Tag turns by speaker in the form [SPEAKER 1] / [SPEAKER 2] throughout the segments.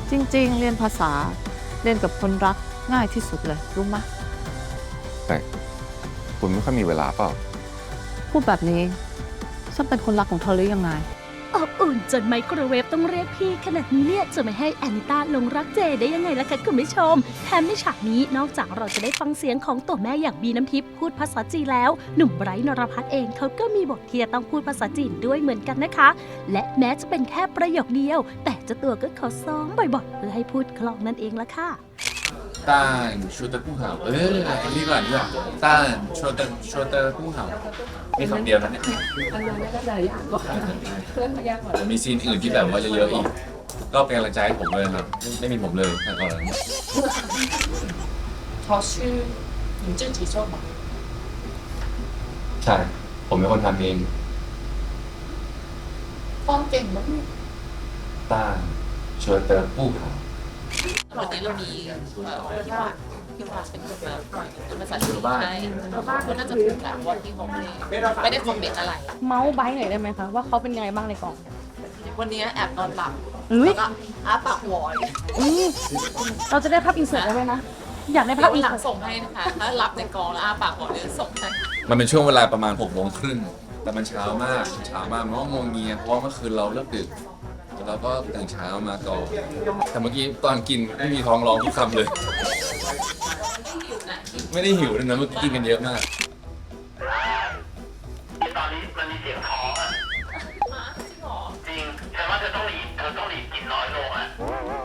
[SPEAKER 1] จริงๆ เรียนภาษาเรียนกับคนรักง่ายที่สุดเลยรู้ไหม
[SPEAKER 2] แต่คุณไม่ค่อยมีเวลาเปล่า
[SPEAKER 1] พูดแบบนี้ฉันเป็นคนรักของเธอหรือยังไง
[SPEAKER 3] อบอุ่นจนไมโครเวฟต้องเรียกพี่ขนาดนี้เนี่ยจะไม่ให้แอนิต้าลงรักเจได้ยังไงล่ะคะคุณผู้ชมแถมในฉากนี้นอกจากเราจะได้ฟังเสียงของตัวแม่อย่างบีน้ำทิพย์พูดภาษาจีนแล้วหนุ่มไบรท์นรพัฒน์เองเขาก็มีบทที่จะต้องพูดภาษาจีนด้วยเหมือนกันนะคะ และแม้จะเป็นแค่ประโยคเดียว แต่เจ้าตัวก็ขอซ้อมบ่อยๆเพื่อให้พูดคล่องนั่นเองละค่ะ
[SPEAKER 4] 但说的不好นี่ก่อนดีกว่า但说的不好มีคำเดียวนะเนี่ยมีซีนอื่นที่แบบว่าเยอะๆอีก ก็เป็นกำลังใจให้ผมเลยครับ ไม่มีผมเลยก่อน
[SPEAKER 5] เขาชื่อ你自己做吗
[SPEAKER 4] ใช่ ผมเป็นคนทำเอง
[SPEAKER 5] ฟ้องเก่งมาก
[SPEAKER 4] 但说的不好
[SPEAKER 5] วันนี้เรามีพี่วาเป็นคนมาเป็นภาษาจีนให้เขาน่าจะถูกกันว่าที่เขาไม่ได้คอมเมนต์อะไร
[SPEAKER 6] เมาส์ไบหน่อยได้ไหมคะว่าเขาเป็นไงบ้างในกอง
[SPEAKER 5] วันนี้แอบนอนหลับ
[SPEAKER 6] อุ๊ย
[SPEAKER 5] แล้วก็อ้าปากหวอย
[SPEAKER 6] เราจะได้ภาพอินเสิร์ตได้ไหมนะ อยากได้ภาพอิน
[SPEAKER 5] หลัง
[SPEAKER 6] เสิร์ต
[SPEAKER 5] ส่งให้นะคะ ถ้ารับในกองแล้วอ้าปากหวอยเดี๋ยวส่งให้
[SPEAKER 4] มันเป็นช่วงเวลาประมาณ6:30 แต่มันเช้ามากมันก็งงเงียเพราะว่าเมื่อคืนเราเลิกดึกแล้วก็ตื่นเช้ามาก่อนแต่เมื่อกี้ตอนกินไม่มีท้องร้องทุกคำเลย ไม่ได้หิวเลยนะเมื่อกี้กินกันเยอะมาก
[SPEAKER 7] ตอนนี้มันมีเสียงท้องอ่ะจริงฉันว่าเธอต้องหลีกินน้อยลงอ่ะ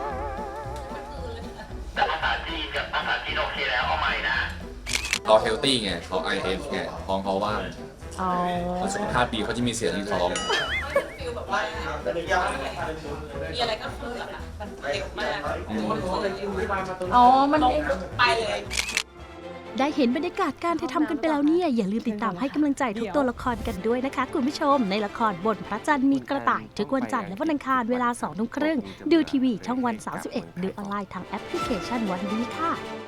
[SPEAKER 7] แต่ภาษาจีนกับภาษาจีนโอเคแล้วเอาใหม่นะ
[SPEAKER 4] เขาเฮลตี้ไงเขา IF ไงท้องเขาว่าง
[SPEAKER 6] อ๋อ
[SPEAKER 4] คนสุขภาพดีเขาจะมีเสียงที่ท้อง
[SPEAKER 5] ฟิลแบบว่ามีอะไรก็คือแบบมันเร็วมาก
[SPEAKER 6] อ๋อ มัน
[SPEAKER 5] ลงไปเลย
[SPEAKER 3] ได้เห็นบรรยากาศการถ่ายทำกันไปแล้วเนี่ยอย่าลืมติดตามให้กำลังใจทุกตัวละครกันด้วยนะคะคุณผู้ชมในละครบนพระจันทร์มีกระต่ายทุกวันจันทร์และวันอังคารเวลา 20:30 ดูทีวีช่องวัน 31 ดูออนไลน์ทางแอปพลิเคชันวันดีค่ะ